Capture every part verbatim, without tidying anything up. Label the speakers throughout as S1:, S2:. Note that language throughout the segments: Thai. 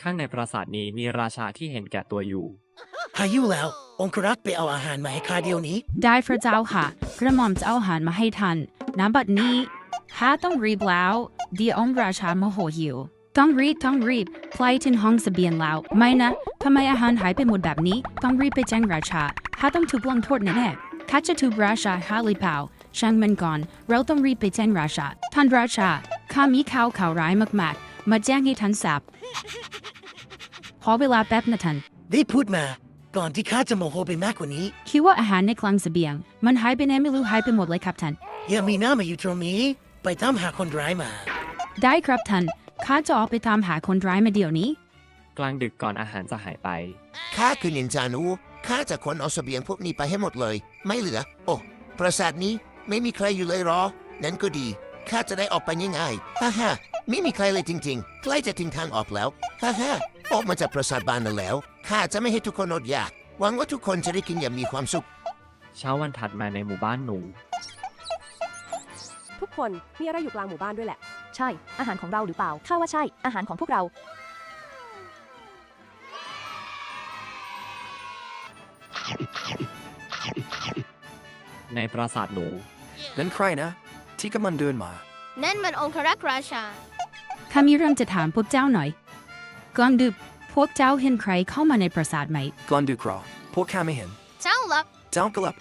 S1: ข้างในปราสาทนี้มีราชาที่เห็นแก่ตัวอยู่
S2: พายุแล้วองครักษ์ไปเอาอาหารมาให้ข้าเดี๋ยวนี้
S3: ได้พระเจ้าค่ะกระหม่อมจะเอาอาหารมาให้ท่านน้ำบัดนี้ข้าต้องรีบแล้วเดี๋ยวองค์ราชาโมโหหิวต้องรีบต้องรีบพลายถึงห้องเสบียงแล้วไม่นะทำไมอาหารหายไปหมดแบบนี้ต้องรีบไปแจ้งราชาข้าต้องถูกลงโทษแน่ๆข้าจะถูกราชาฮาลิเปาช่างมันก่อนเราต้องรีบไปแจ้งราชาท่านราชาข้ามีข่าวข่าวร้ายมากๆมาแจ้งให้ท่านทราบขอเวลาแป๊บนะท่าน
S2: ได้พูดมาก่อนที่ข้าจะโมโหไปมากกว่านี้
S3: คิดว่าอาหารในคลังเสบียงมันหายไปไหนไม่รู้หายไปหมดเลยครับท่าน
S2: อย่ามีหน้ามาอยู่ตรงนี้ไปตามหาคนร้ายมา
S3: ได้ครับท่านข้าจะออกไปตามหาคนร้ายมาเดี๋ยวนี้
S1: กลางดึกก่อนอาหารจะหายไป
S4: ข้าคือนินจาหนูข้าจะขนเอาเสบียงพวกนี้ไปให้หมดเลยไม่เหลือโอ้ปราสาทนี้ไม่มีใครอยู่เลยหรอนั่นก็ดีข้าจะได้ออกไปง่ายๆฮ่าฮ่าไม่มีใครเลยจริงๆใกล้จะถึงทางออกแล้วฮ่าฮ่าออกมาจากปราสาทบ้านนั่นแล้วข้าจะไม่ให้ทุกคนอดอยากหวังว่าทุกคนจะได้กินอย่างมีความสุข
S1: เช้าวันถัดมาในหมู่บ้านหนู
S5: ทุกคนมีอะไรอยู่กลางหมู่บ้านด้วยแหละ
S6: ใช่อาหารของเราหรือเปล่าข้าว่าใช่อาหารของพวกเรา
S1: ในปราสาทหนู
S7: นั่นใครนะที่กำลังเดินมา
S8: นั่นมันองครักษ์ราชา
S3: ข้ามีเรื่องจะถามพวกเจ้าหน่อยกลางดึกพวกเจ้าเห็นใครเข้ามาในปราสาทไหม
S7: กลางดึกหรอพวกข้าไม่เห็น
S8: เจ้าลับ
S7: เจ้ากลับ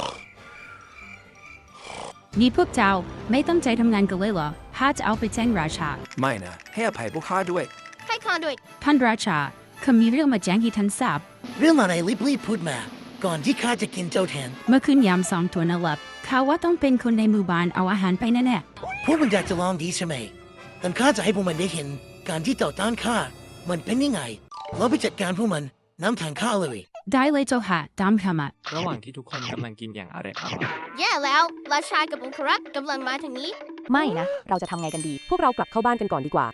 S3: นี่พวกเจ้าไม่ตั้งใจทำงานกันเลยเหรอข้าจะเอาไปแจ้งราชา
S7: ไม่นะให้อภัยพวกข้าด้วย
S8: ให้ข้าด้วย
S3: ท่านราชาข้ามีเรื่องมาแจ้งให้ท่านทราบ
S2: เรื่องอะไรรีบๆพูดมาก่อนที่ข้าจะกินเจ้าแทน
S3: เมื่อคืนยามสองตัวนหลับข้าว่าต้องเป็นคนในหมู่บ้านเอาอาหารไปแน่
S2: ๆพวกมันอยากจะลองดีใช่ไหมแต่ข้าจะให้พวกมันได้เห็นการที่ต่อต้านข้ามันเป็นยังไงเราไปจัดการพวกมันน้ำทางข้าเลย
S3: ได้เลยเจ้าค่ะตามข้ามา
S1: ระหว่างที่ทุกคนกำลังกินอย่างอร่อยอร่อย
S8: แย่แล้วราชากับองครักษ์กำลังมาทางนี้
S6: ไม่นะเราจะทำไงกันดี
S5: พวกเรากลับเข้าบ้านกันก่อนดีกว่า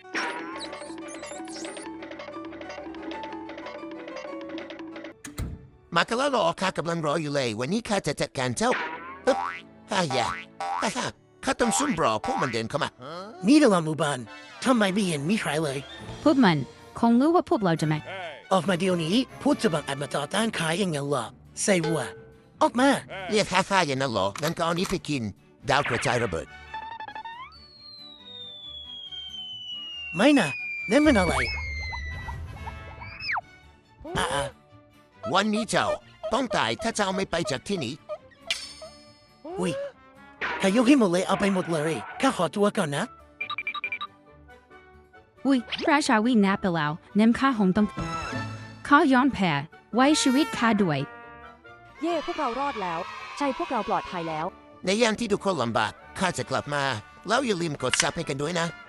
S4: มากันแล้วหรอข้ากำลังรออยู่เลยวันนี้ข้าจะจัดการเจ้าเฮ้ยฮ่าอย่าฮ่าฮ่าข้าต้องซุ่มรอพวกมันเดินเข้ามา
S2: นี่ตลาดหมู่บ้านทำไมไม่เห็นมีใครเลย
S3: พวกมันคงรู้ว่าพวกเราจะมา
S2: ออกมาเดี๋ยวนี้พูดจะบังอาจมาต่อต้านข้าอย่างนั้นเหรอใส่วัวออกมา
S4: เรียกฮ่าฮ่าอย่างนั้นเหรองั้นก็เอานี้ไปกินดาวกระจายระเบิด
S2: ไม่นะนั่นมันอะไรอ่า
S4: วันนี้เจ้าต้องตายถ้าเจ้าไม่ไปจากที่นี้
S2: อุ้ยข้ายกให้หมดเลยเอาไปหมดเลยข้าขอตัวก่อนนะ
S3: อุ้ยราชาวิ่งหน้าไปแล้วเน้มข้าหงต้องข้าย้อนแพ้ไว้ชีวิตข้าด้วย
S5: เย่พวกเรารอดแล้ว
S6: ใช่พวกเราปลอดภัยแล้ว
S4: ในยามที่ทุกคนลำบากข้าจะกลับมาแล้วอย่าลืมกดซับให้กันด้วยนะ